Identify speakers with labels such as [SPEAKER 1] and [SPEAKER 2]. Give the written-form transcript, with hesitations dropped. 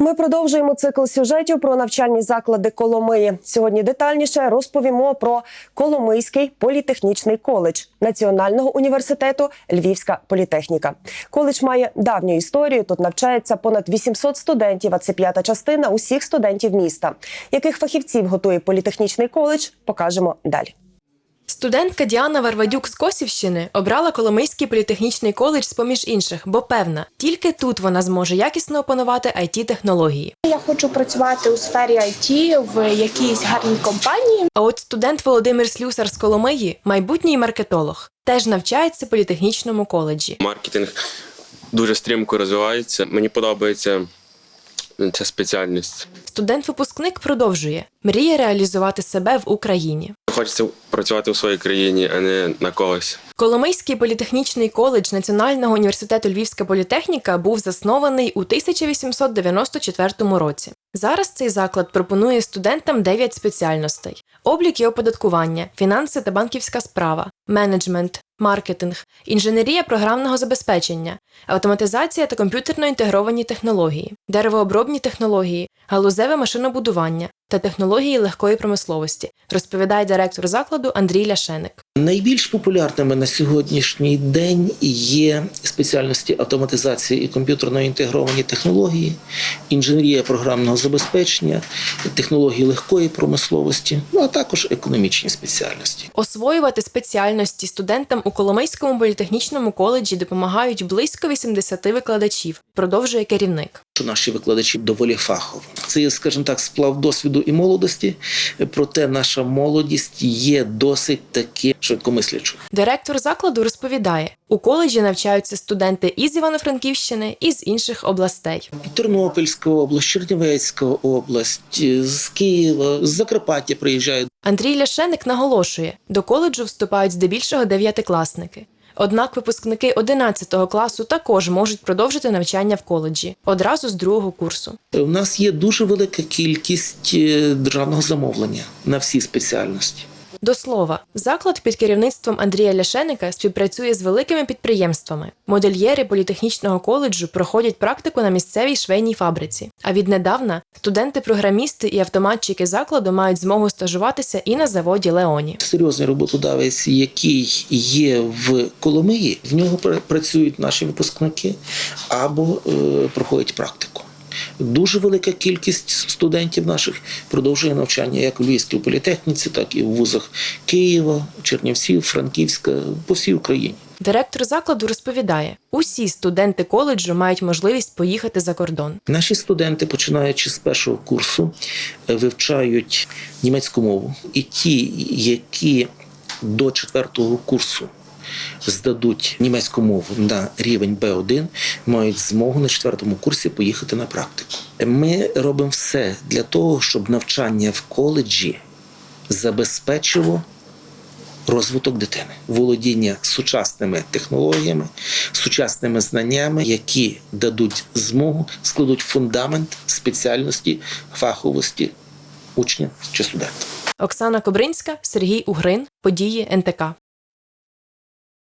[SPEAKER 1] Ми продовжуємо цикл сюжетів про навчальні заклади Коломиї. Сьогодні детальніше розповімо про Коломийський політехнічний коледж Національного університету Львівська політехніка. Коледж має давню історію. Тут навчається понад 800 студентів, а це п'ята частина усіх студентів міста. Яких фахівців готує політехнічний коледж, покажемо далі.
[SPEAKER 2] Студентка Діана Варвадюк з Косівщини обрала Коломийський політехнічний коледж з-поміж інших, бо певна, тільки тут вона зможе якісно опанувати IT-технології.
[SPEAKER 3] Я хочу працювати у сфері IT в якійсь гарній компанії.
[SPEAKER 2] А от студент Володимир Слюсар з Коломиї – майбутній маркетолог. Теж навчається в політехнічному коледжі.
[SPEAKER 4] Маркетинг дуже стрімко розвивається. Мені подобається ця спеціальність.
[SPEAKER 2] Студент-випускник продовжує. Мріє реалізувати себе в Україні.
[SPEAKER 4] Хочеться працювати у своїй країні, а не на когось.
[SPEAKER 2] Коломийський політехнічний коледж Національного університету Львівська політехніка був заснований у 1894 році. Зараз цей заклад пропонує студентам 9 спеціальностей: облік і оподаткування, фінанси та банківська справа, менеджмент, маркетинг, інженерія програмного забезпечення, автоматизація та комп'ютерно інтегровані технології, деревообробні технології, галузеве машинобудування та технології легкої промисловості, розповідає директор закладу Андрій Ляшеник.
[SPEAKER 5] Найбільш популярними на сьогоднішній день є спеціальності автоматизації і комп'ютерно інтегровані технології, інженерія програмного забезпечення, технології легкої промисловості, а також економічні спеціальності.
[SPEAKER 2] Освоювати спеціальності студентам у Коломийському політехнічному коледжі допомагають близько 80 викладачів, продовжує керівник.
[SPEAKER 5] Наші викладачі доволі фахові. Це є, скажімо так, сплав досвіду і молодості, проте наша молодість є досить таки швидкомислячою.
[SPEAKER 2] Директор закладу розповідає, у коледжі навчаються студенти із Івано-Франківщини і з інших областей.
[SPEAKER 5] Тернопільська область, Чернівецька область, з Києва, з Закарпаття приїжджають.
[SPEAKER 2] Андрій Ляшеник наголошує, до коледжу вступають здебільшого 9-класники. Однак випускники 11 класу також можуть продовжити навчання в коледжі одразу з 2-го курсу.
[SPEAKER 5] У нас є дуже велика кількість державного замовлення на всі спеціальності.
[SPEAKER 2] До слова, заклад під керівництвом Андрія Ляшеника співпрацює з великими підприємствами. Модельєри політехнічного коледжу проходять практику на місцевій швейній фабриці. А віднедавна студенти-програмісти і автоматчики закладу мають змогу стажуватися і на заводі Леоні.
[SPEAKER 5] Серйозний роботодавець, який є в Коломиї, в нього працюють наші випускники або проходять практику. Дуже велика кількість студентів наших продовжує навчання як у Львівській політехніці, так і в вузах Києва, Чернівців, Франківська, по всій Україні.
[SPEAKER 2] Директор закладу розповідає, усі студенти коледжу мають можливість поїхати за кордон.
[SPEAKER 5] Наші студенти, починаючи з 1-го курсу, вивчають німецьку мову. І ті, які до 4-го курсу здадуть німецьку мову на рівень Б1, мають змогу на 4-му курсі поїхати на практику. Ми робимо все для того, щоб навчання в коледжі забезпечило розвиток дитини, володіння сучасними технологіями, сучасними знаннями, які дадуть змогу, складуть фундамент спеціальності, фаховості учня чи студента.
[SPEAKER 2] Оксана Кобринська, Сергій Угрин, Події НТК.